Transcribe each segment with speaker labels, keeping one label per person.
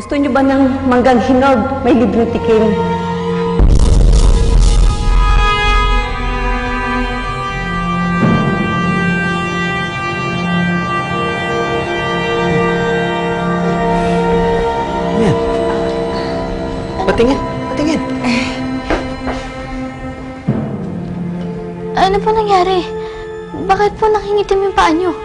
Speaker 1: Gusto niyo ba ng manggang hinog? May libreng tikim.
Speaker 2: Yan. Patingin. Patingin.
Speaker 3: Ano po nangyari? Bakit po nakingitim yung paa niyo?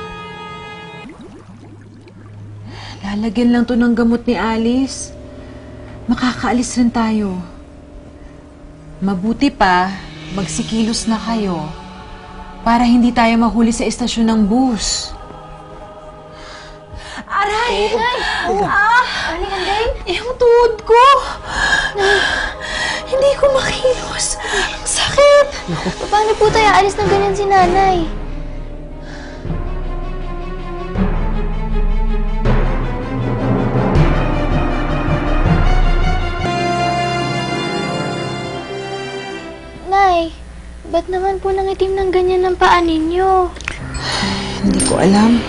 Speaker 4: Lalagyan lang to ng gamot ni Alice. Makakaalis rin tayo. Mabuti pa, magsikilos na kayo para hindi tayo mahuli sa estasyon ng bus. Aray!
Speaker 3: Aling Anday?
Speaker 4: Yung tuhod ko! Hindi ko makilos. Ang sakit!
Speaker 3: Paano po tayo alis ng ganyan si nanay? Nay, ba't naman po nangitim ng ganyan ng paa ninyo?
Speaker 4: Hindi ko alam.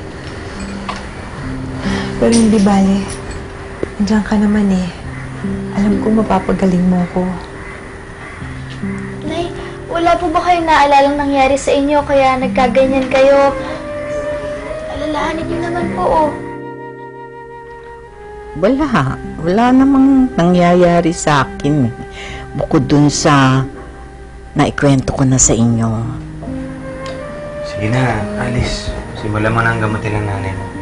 Speaker 4: Pero hindi bale. Andiyan ka naman eh. Alam ko mapapagaling mo ko.
Speaker 3: Nay, wala po ba kayong naalalang nangyari sa inyo kaya nagkaganyan kayo? Alalahanin niyo naman po, oh.
Speaker 5: Wala. Wala namang nangyayari sa akin. Bukod dun sa naikwento ko na sa inyo.
Speaker 2: Sige na, Alice. Simulan mo na ang gamutin ng nanay mo.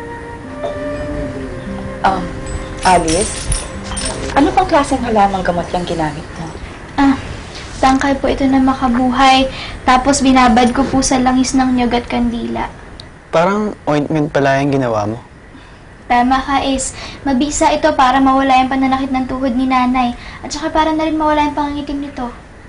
Speaker 6: Alice, ano pang klaseng halamang gamot yung ginamit mo?
Speaker 3: Tangkay po ito na makabuhay. Tapos binabad ko po sa langis ng nyog at kandila.
Speaker 7: Parang ointment pala yung ginawa mo.
Speaker 3: Tama ka, Is. Mabisa ito para mawala yung pananakit ng tuhod ni nanay. At saka para na rin mawala yung pangangitim nito.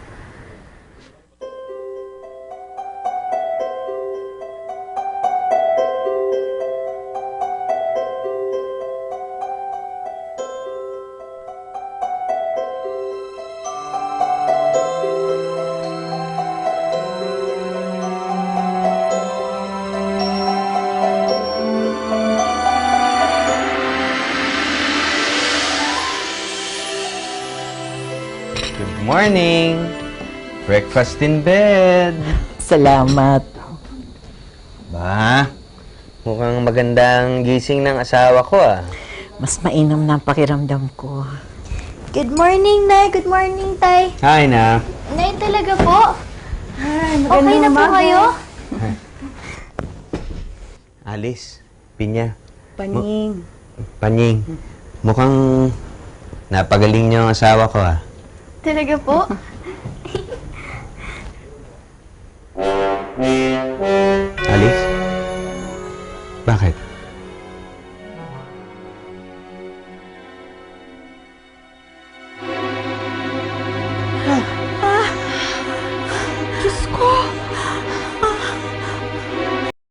Speaker 2: Good morning! Breakfast in bed!
Speaker 5: Salamat.
Speaker 2: Ba, mukhang magandang gising ng asawa ko ah.
Speaker 5: Mas mainam na ang pakiramdam ko.
Speaker 3: Good morning, Nay. Good morning, Tay.
Speaker 2: Hi na.
Speaker 3: Nay, talaga po? Okay na po kayo?
Speaker 2: Alice, Pinya,
Speaker 1: Paning.
Speaker 2: Panying. Mukhang napagaling niyo ang asawa ko ah.
Speaker 3: Talaga po?
Speaker 2: Alice? Bakit?